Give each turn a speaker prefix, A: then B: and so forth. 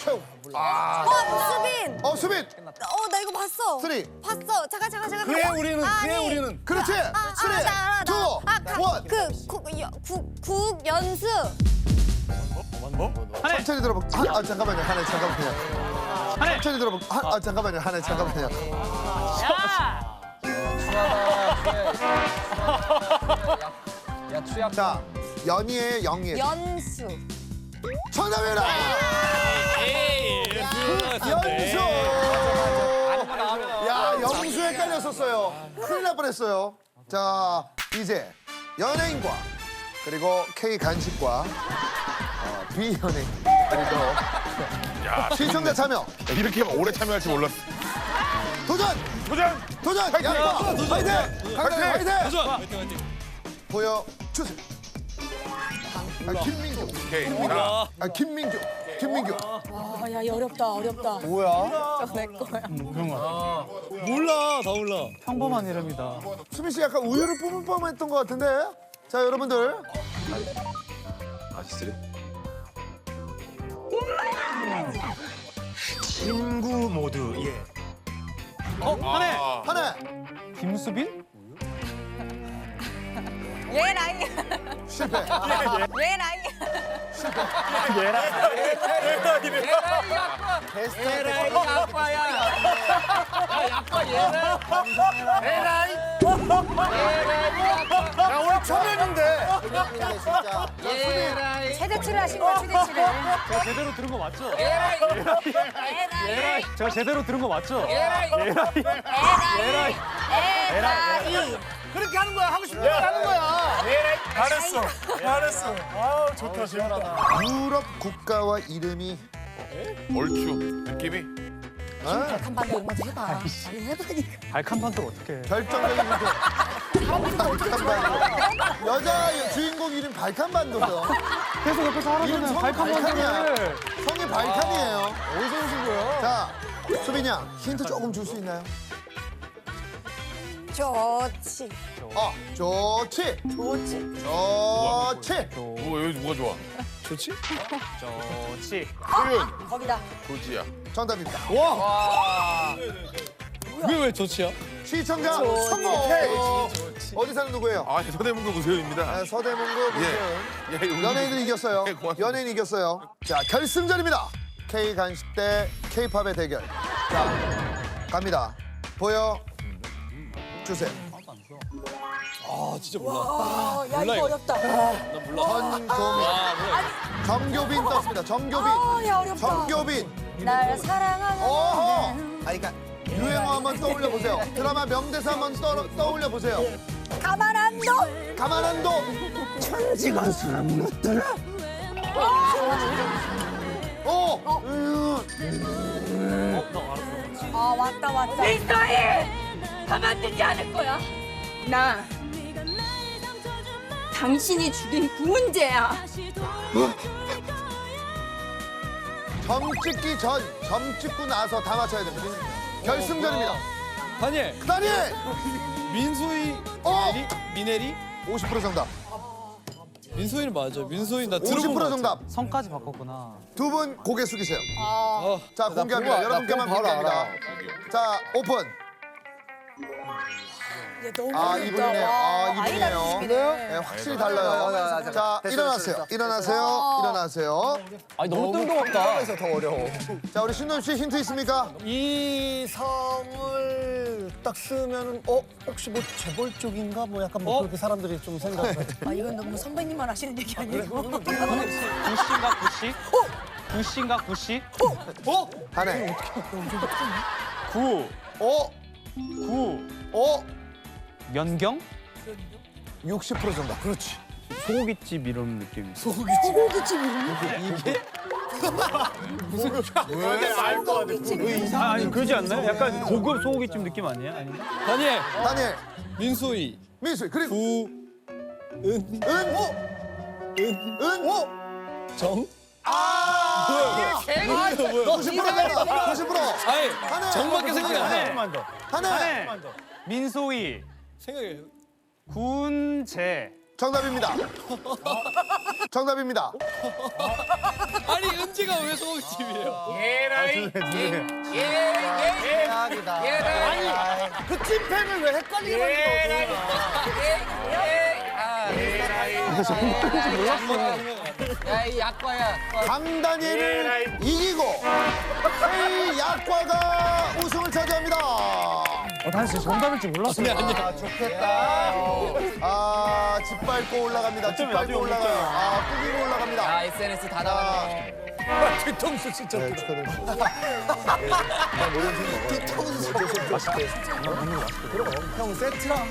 A: 최우.
B: 수빈.
A: 수빈.
B: 나 이거 봤어.
A: 쓰리.
B: 봤어. 잠깐.
C: 그의 우리는, 그의 우리는.
A: 그렇지. 쓰리, 투, 원.
B: 국연수.
A: 천천히 들어볼게. 잠깐만요. 하나 잠깐만요. 천천히 들어볼게. 잠깐만요. 하나 잠깐만요.
D: 야 추약.
A: 자, 연희의 영희의.
B: 연수.
A: 정답입니다. 연수. 야, 영수 헷갈렸었어요. 큰일 날 뻔했어요. 자, 이제 연예인과 그리고 K 간식과 비연예인 그리고 시청자 참여
C: 이렇게 오래 참여할지 몰랐어.
A: 도전. 양파 화이팅. 강강 화이팅. 보여주세요. 김민규.
C: 오케이. 몰라.
A: 김민규.
B: 야, 이 어렵다.
A: 뭐야?
B: 내 거야.
E: 몰라, 다 몰라. 평범한 이름이다.
A: 수민 씨 약간 우유를 뿜을 뻔했던 것 같은데. 자, 여러분들.
E: 친구 모두 예.
A: 하나.
E: 김수빈?
B: 얘 나이.
A: 실패.
B: 얘 나이.
A: 야, 오늘 초면인데.
B: 최대치를 하신 거야, 최대치를.
E: 제가 제대로 들은 거 맞죠?
B: 에라이.
E: 제가 제대로 들은 거 맞죠?
B: 에라이.
A: 그렇게 하는 거야. 하고 싶은 대로 하는 거야.
E: 잘했어. 아우 좋다, 시원하다.
A: 유럽 국가와 이름이
C: 얼추 느낌이.
B: 한반도 이런 거좀 해봐. 아니, 해봐니까.
E: 발칸반도 어떻게?
A: 결정적인 힌트. 발칸반도. 여자 주인공 이름 발칸반도요.
E: 계속 옆에서
A: 이름
E: 하라면
A: 성이
E: 발칸반도를.
A: 발칸이야. 성이 발칸이에요.
E: 어디서 오신 거야?
A: 자, 수빈이 양 힌트 조금 줄 수 있나요?
B: 좋지.
A: 좋지.
C: 여기 뭐가 좋아?
E: 좋지.
B: 거기다.
C: 조지야.
A: 정답입니다.
E: 그게 왜 좋지야?
A: 시청자 성공. 어디 사는 누구예요?
C: 서대문구 무세윤입니다.
A: 서대문구 무슨
C: 예,
A: 연예인들이 이겼어요.
C: 고맙습니다.
A: 연예인이 이겼어요. 자, 결승전입니다. K 간식 대 K-팝의 대결. 자, 갑니다. 보여 주세요.
E: 진짜 몰라.
B: 야, 이거 어렵다.
A: 정교빈 떴습니다. 정교빈.
B: 야, 어렵다.
A: 정교빈.
B: 날 사랑하는.
A: 어허. 그러니까 유행어 한번 떠올려 보세요. 드라마 명대사 한번 떠올려 보세요.
B: 가만 안 둬.
A: 가만 안 둬. 천지가 사람 같더라.
B: 왔다.
F: 민서희! 가만두지 않을 거야. 나 당신이 죽인 구은재야.
A: 점 찍기 전, 점 찍고 나서 다 맞춰야 됩니다. 결승전입니다.
E: 다니엘,
A: 다니엘.
E: 민소희, 미네리?
A: 50% 정답.
E: 민소희는 맞아. 민소희 나
A: 50% 정답.
E: 성까지 바꿨구나.
A: 두 분 고개 숙이세요. 자, 공개합니다. 여러분께만 공개합니다. 자, 오픈. 이분이네요. 이분이네요. 네, 확실히 달라요. 자, 일어나세요. 일어나세요.
D: 너무 뜬금없다. 그래서 더 어려워.
A: 자, 우리 신동 씨 힌트 있습니까?
G: 이 성을 딱 쓰면은 혹시 뭐 재벌 쪽인가 뭐 약간 뭐 그렇게 사람들이 좀 생각을
B: 이건 너무 선배님만 하시는 얘기 아니에요?
E: 구씨인가 구씨? 구씨인가 구씨?
A: 한해.
E: 구. 연경?
A: 60% 정답. 그렇지.
E: 소고기집 이런 느낌.
B: 소고기집 이름?
E: 아니 그러지 않나요? 약간 고급 소고기집 느낌 아니에요? 아닌가?
A: 다니엘.
E: 민소희.
A: 민수. 그리고
E: 은. 정?
A: 90%잖아. 90%.
E: 아니
A: 한해.
E: 정밖에 생각이 안 나.
A: 한해.
E: 민소희.
G: 생각해.
E: 군재.
A: 정답입니다. 정답입니다.
E: 아니 은지가 왜 소고기집이에요?
G: 대박이다. 아니 그 찐팬을 왜 헷갈리게
D: 야, 이 약과야.
A: 강다니엘을 이기고 K 약과가 우승을 차지합니다.
G: 난 진짜 정답일 줄 몰랐어.
A: 아, 좋겠다. 아, 짓밟고 올라갑니다. 짓밟고 올라가요. 아, 꾸기고 올라갑니다.
D: 아, SNS 다 나왔네.
G: 뒤통수 진짜.
A: 네, 축하드립니다.
G: 형 세트랑